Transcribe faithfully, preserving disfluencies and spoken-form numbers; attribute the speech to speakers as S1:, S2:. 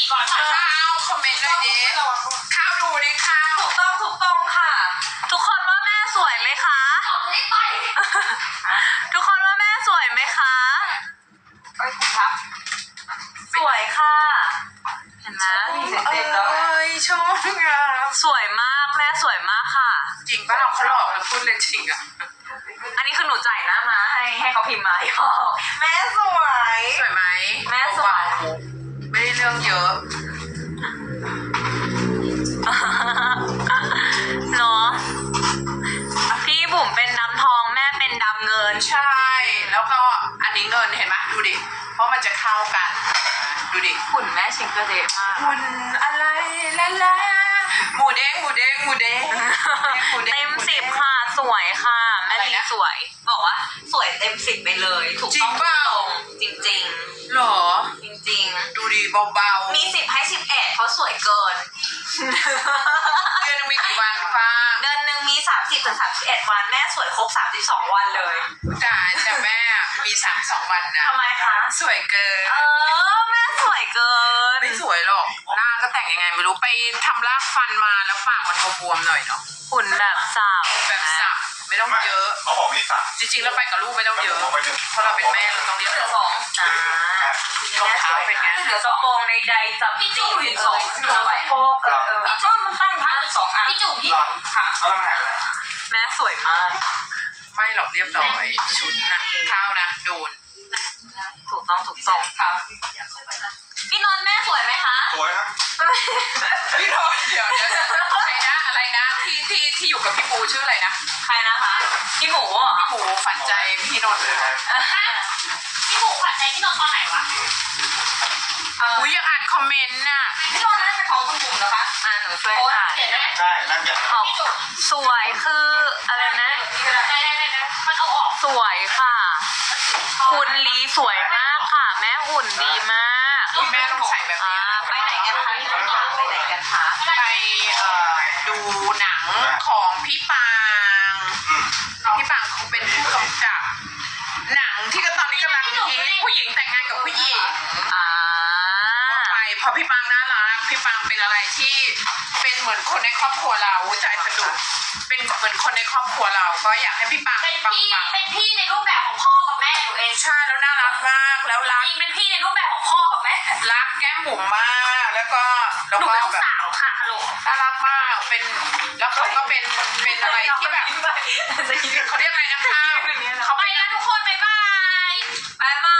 S1: ก่อนข้าวคอมเมนต์หน่อยดิข้าวดูดิข้าว
S2: ถูกต้องถูกต้องค่ะทุกคนว่าแม่สวยไหมคะไม่ไปทุกคนว่าแม่สวยไหมคะ
S1: ไอ้คุณครับ
S2: สวยค่ะเห็นไหม
S1: เอ้ยชอบงาม
S2: สวยมากแม่สวยมากค่ะ
S1: จริงป่ะเราเขาหลอกเราพูดเล่นจริงอ่ะ
S2: อันนี้คือหนูจ่ายหน้ามาให้ให้เขาพิมพ์มาแม่สวย
S1: สวยไหม
S2: แม่สวย
S1: ไม่ได้เรื่องเยอะ
S2: เนาะพี่บุ๋มเป็นดำทองแม่เป็นดำเงิน
S1: ใช่แล้วก็อันนี้เงินเห็นไหมดูดิเพราะมันจะเข้ากันดูดิ
S2: หุ่นแม่ชิงเกอร์เดย์มาก
S1: หุ่นอะไรล่ะล่ะหมูเด้งหมูเด้งหมูเด้ง
S2: เต็มสิบค่ะสวยค่ะแม่ลีสวยบอกว่าสวยเต็มสิบไปเลยถูกต้องตรงจริงจริง
S1: หรอ
S2: จริง
S1: ๆดูดิเบา
S2: ๆมีสิบให้สิบเอ็ดเขาสวยเกิน
S1: เดือนนึงมีกี่วันฟ้า
S2: เดือนนึงมีสามสิบถึงสามสิบเอ็ดวันแม่สวยครบสามสิบสองวันเลย
S1: จ้าแต่แม่มีสามสองวันนะ
S2: ทำไมคะ
S1: สวยเกิน
S2: เออแม่สวยเกิน
S1: ไม่สวยหรอกหน้าก็แต่งยังไงไม่รู้ไปทำรากฟันมาแล้วปากมันบวมๆหน่อยเนาะ
S2: หุ่นแบบสับ
S1: แบบสับไม่ต้องเยอะ
S3: เขาบอกมีสับ
S1: จริงๆแล้วไปกับลูกไม่ต้องเยอะเพราะเราเป็นแม่เราต้องเรียกสอง
S2: อ่
S1: ารองเท้าเป็นไง
S2: เดี๋ยวกระโปรงในใดจับพี่จูบสองตัวสะโพกเออพี่จูบมันตั้งพัดสองอ่ะพี่จูบพี่ค่ะแม่สวยมาก
S1: ไม่หรอกเรียบร้อยชุดนะข้าวนะโดน
S2: ถูกต้องถูกต้องครับพี่นนท์แม่สวยไหมคะ
S3: สวยครับ
S1: พี่นนท์เดี๋ยวเดี๋ยวอะไรนะอะไรนะที่ที่ที่อยู่กับพี่ปูชื่ออะไรนะ
S2: ใครนะคะพี่หมู
S1: พี่หมูฝันใจพี่นนท์
S2: พี่หมูฝันใจพี่นนท์ตอนไหนวะ
S1: อุ้ยยังอ่านคอมเมนต์น่ะ
S2: พี่นนท์นั่นเป็นของคุณบุ๋มเหรอคะอ่านหนูช่วยอ่าน
S3: ใช่นั่นอย่าง
S2: สวยคืออะไรนะมันเอาออกสวยค่ะคุณลีสวยมากค่ะแม่หุ่นดีมาก
S1: แม่ต้องใส่แบบนี้
S2: ไปไหนกันคะพี่ถามไปไหนกันคะ
S1: ไปเอ่อดูหนังของพี่ปางพี่ปางเขาเป็นผู้กำกับหนังที่ก็ตอนนี้กำลังฮิตผู้หญิงแต่งงานกับผู้หญิง
S2: อ่า
S1: ไปพอพี่ปางน่ารักพี่ปางเป็นอะไรที่เป็นเหมือนคนในครอบครัวเราใจสะดุดเป็นเหมือนคนในครอบครัวเราก็อยากให้พี่ปาง
S2: เป็นพี่เป็นพี่ในรูปแบบของพ่อกับแม่หนูเอง
S1: ใช่แล้วน่ารักมากแล้วรัก
S2: จริงเป็นพี่ในรูปแบบของพ่อกับแม่
S1: รักแก้มบุ๋มมากแล้วก็
S2: แล้วก็ลูกสาวค่ะลูก
S1: น่ารักมากเป็นแล้วเขาก็เป็นเป็นอะไรที่แบบเขาเรียกอะไรนะคะ
S2: เขาไปแล้วทุกคนบ๊ายบายบ๊ายบา